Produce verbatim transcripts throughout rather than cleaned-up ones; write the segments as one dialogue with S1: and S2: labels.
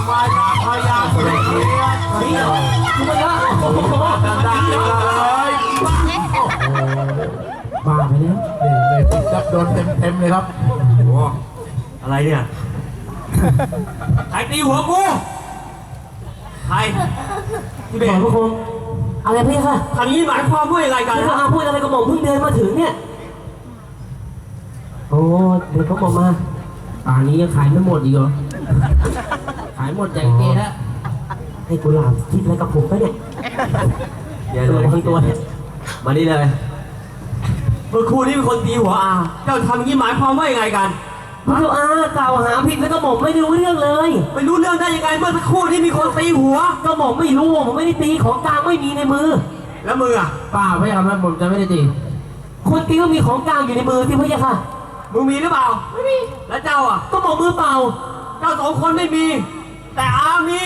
S1: มายาพยาเสียเกียรตินี่เหรอคุณพยาโอ้โหดังๆเลยบ้าไปแล้วเนี่ยเลยจับโดนเต็มๆเลยครับโอ้อะไรเนี่ยใครตีหัวกูใครพี่เบนพวกคุณอะไรพี่ค่ะทำนี้หมายความว่าอะไรกันนะพูดอะไรกับหม่อมเพิ่งเดินมาถึงเนี่ยโอ้เดี๋ยวเขาบอกมาป่านนี้ยังขายไม่หมดอีกเหรอขายหมดใจเกล้แล้วให้กุหลาบคิดอะไรกับผมปะเนี่ยเดี๋ยวเลยทั้งตัวเนี่ยมานี่เลยเมื่อครูนี่เป็นคนตีหัวอาเจ้าทำอย่างนี้หมายความว่ายังไงกันพระเจ้าอากล่าวหาผิดแล้วก็บอกไม่รู้เรื่องเลยไม่รู้เรื่องได้ยังไงเมื่อสักครู่นี่มีคนตีหัวก็บอกไม่รู้ผมไม่ได้ตีของกลางไม่มีในมือแล้วมืออ่ะป้าไม่เอาแล้วผมจะไม่ได้ตีคนตีก็มีของกลางอยู่ในมือที่พระเจ้าค่ะมึงมีหรือเปล่าไม่มีแล้วเจ้าอ่ะก็บอกมือเปล่าเจ้าสองคนไม่มีแต่อามี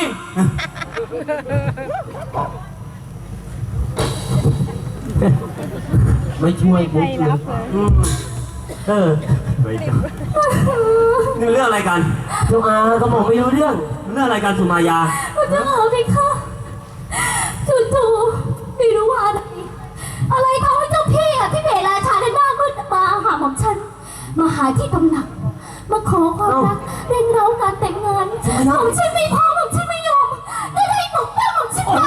S1: ไม่ช่วยบุ๊กเลยเออไม่จ้ะนี่เรื่องอะไรกันลูกอาก็บอกไม่รู้เรื่องเรื่องอะไรกันสุมายาคุณจะเอาไปค่ะจู่ๆไม่รู้ว่าอะไรอะไรทำให้เจ้าพี่อ่ะที่เบลราชาได้มากขึ้นมาหาของฉันมาหาที่ตำหนักมาขอความรักเร่งเร้าการแต่งงานของฉันไม่พอของฉันไม่ยอมได้ได้ตกเป้าของฉันไป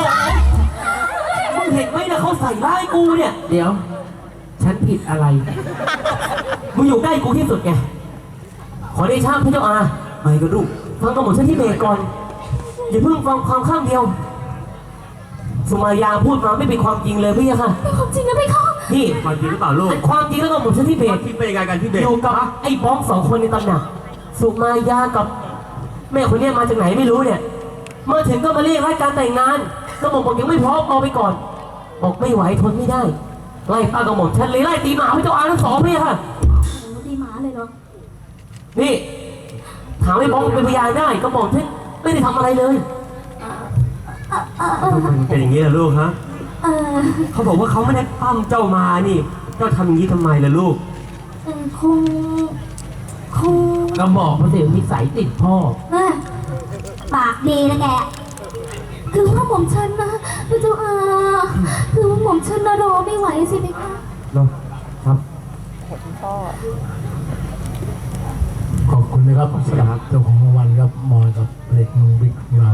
S1: มึงเห็นไหมนะเขาใส่ร้ายกูเนี่ยเดี๋ยวฉันผิดอะไรมึงอยู่ใกล้กูที่สุดไงขอได้ชาพระเจ้าอาไม่กระดุกฟังกระหม่อมฉันที่เบรกก่อนอย่าเพิ่งฟังความข้างเดียวสุมายาพูดมาไม่เป็นความจริงเลยพี่ค่ะเป็นความจริงนะพี่ค่ะนี่ความจริงหรือเปล่าลูกเป็นความจริงแล้วก็หม่อมฉันที่เบรกที่เป็นยังไงกันที่เบรกอยู่กับไอ้บ้องสองคนในตำหนักสุมายากับแม่คนนี้มาจากไหนไม่รู้เนี่ยเมื่อถึงก็มาเรียกให้การแต่งงานก็หม่อมบอกยังไม่พร้อมเอาไปก่อนบอกไม่ไหวทนไม่ได้ไล่ป้ากระหม่อมฉันเลยไล่ตีหมาพระเจ้าอาทั้งสองพี่ค่ะตีหมาเลยเหรอนี่ถามไอ้บ้องเป็นพยานได้ก็บอกฉันไม่ได้ทำอะไรเลยเป็นอย่างนี้ล่ะลูกฮะเขาบอกว่าเขาไม่ได้ปั้มเจ้ามานี่เจ้าทำอย่างนี้ทำไมล่ะลูกคงคงก็บอกมาสินิสัยติดพ่อปากดีนะแกคือว่าผมฉันนะพระเจ้าอาคือว่าผมฉันนะรอไม่ไหวสิไหมคะเนาะครับขอบคุณนะครับสำหรับเจ้าของรางวัลครับมอยกับเล็กนุ่งบิ๊กของเรา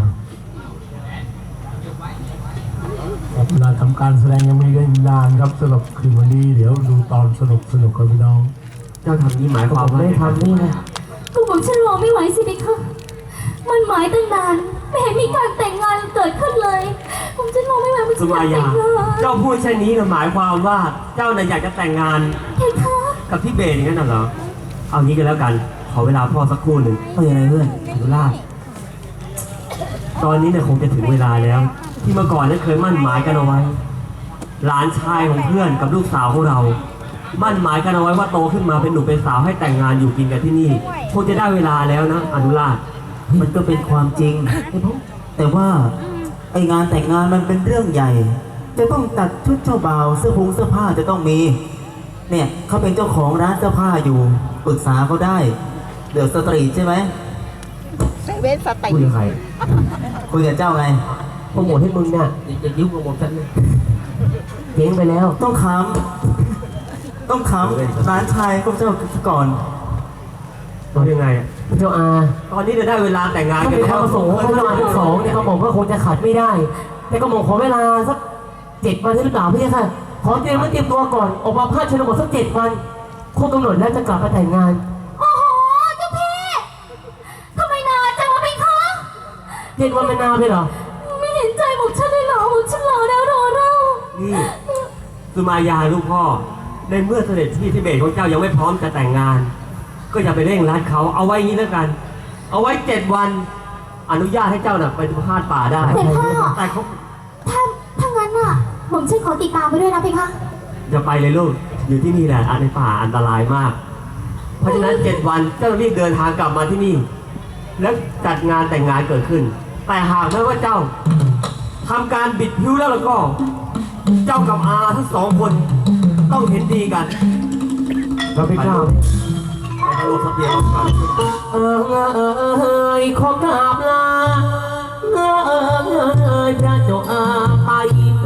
S1: เวลาทำการแสดงยังมีกันนานครับสำหรับคืนวันนี้เดี๋ยวดูตอนสนุกสนุกกับพี่น้องเจ้าทำนี้หมายความว่าไม่ทำนี่นะก็ผมฉันรอไม่ไหวสิพี่คะมันหมายตั้งนานไม่เห็นมีการแต่งงานเกิดขึ้นเลยผมฉันรอไม่ไหวมันจะแต่งงานเจ้าพูดเช่นนี้หมายความว่าเจ้าน่ะอยากจะแต่งงานกับพี่เบนอย่างนั้นเหรอเอางี้กันแล้วกันขอเวลาพ่อสักครู่หนึ่งเฮ้ยอะไรเพื่อนดูล่าตอนนี้เนี่ยคงจะถึงเวลาแล้วที่เมื่อก่อนนั้นเคยมั่นหมายกันเอาไว้หลานชายของเพื่อนกับลูกสาวของเรามั่นหมายกันเอาไว้ว่าโตขึ้นมาเป็นหนุ่มเป็นสาวให้แต่งงานอยู่กินกันที่นี่คงจะได้เวลาแล้วนะอนุราช
S2: มันก็เป็นความจริงแต่ว่าไองานแต่งงานมันเป็นเรื่องใหญ่จะต้องตัดชุดเจ้าบ่าวเสื้อผงเสื้อผ้าจะต้องมีเนี่ยเขาเป็นเจ้าของร้านเสื้อผ้าอยู่ปรึกษาเขาได้เดี๋ยวสตรีทใช่ไหม
S3: เว้นสติ
S2: คุยกับใครคุยกับเจ้าไง
S1: โปรโมทให้มึงเนี่ยจะยุ่งกับผมฉันเลยเจ๊งไปแล้ว
S2: ต้องขำต้องขำร้านชายก็เจ้าก่อน
S1: ตอนยังไงเจ้าอาตอนนี้จะได้เวลาแต่งงานกันแล้วประสงค์เขาเวลาทั้งสองเนี่ยเขาบอกว่าคงจะขัดไม่ได้แต่ก็บอกขอเวลาสักเจ็ดวันหรือเปล่าพี่ค่ะขอเตรียมไว้เตรียมตัวก่อนออกมาพาดชนบทสักเจ็ดวันคงกำหนดแล้วจะกลับมาแต่งงาน
S4: โอ้โหเจ้าพี่ทำไมนานจังวะพี่คะ
S1: เจ็ดวันเป็นนานเลยเหรอ
S4: ไม่เห็นใจบอกฉันเลยเหรอบอกฉันรอแล้วรอเล่า
S1: นี่สุมายาลูกพ่อในเมื่อเสด็จพี่ที่เบสของเจ้ายังไม่พร้อมจะแต่งงานก็อย่าไปเร่งรัดเขาเอาไว้งี้แล้วกันเอาไว้เจ็ดวันอนุญาตให้เจ้าน่ะไปพาดป่าได้
S4: แต่พ่อแต่เขาถ้าถ้างั้นน่ะผมช่วยขอติดตามไปด้วยนะพี่คะ
S1: จะไปเลยลูกอยู่ที่นี่แหละอันในป่าอันตรายมากเพราะฉะนั้นเจ็ดวันเจ้ารีบเดินทางกลับมาที่นี่แล้วจัดงานแต่งงานเกิดขึ้นแต่หากไม่ว่าเจ้าทำการบิดผิวแล้วแล้วก็เจ้ากับอาทั้งสองคนต้องเห็นดีกันเราไปกล่าวไปทะลุทะเบียนกันเออเออเออขอกราบลา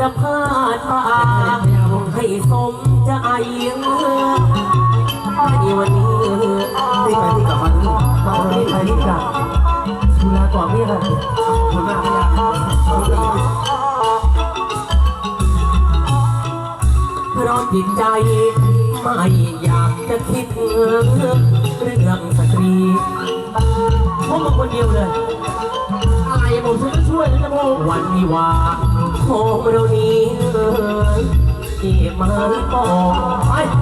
S1: พาดป่าให้สมใจในวันนี้
S2: ที่ไปที่กลับมาลูก
S1: มารีบไปรีบกลับดูแลก่อนไม่ยังคุณมากไม่ยังเพราะจิตใจไม่อยากจะคิดเรื่องสตรีพวกมึงคนเดียวเลยอะไรผมฉันก็ช่วยนะพ่อวันวิวาห์ของเรานี้ที่มาปองไป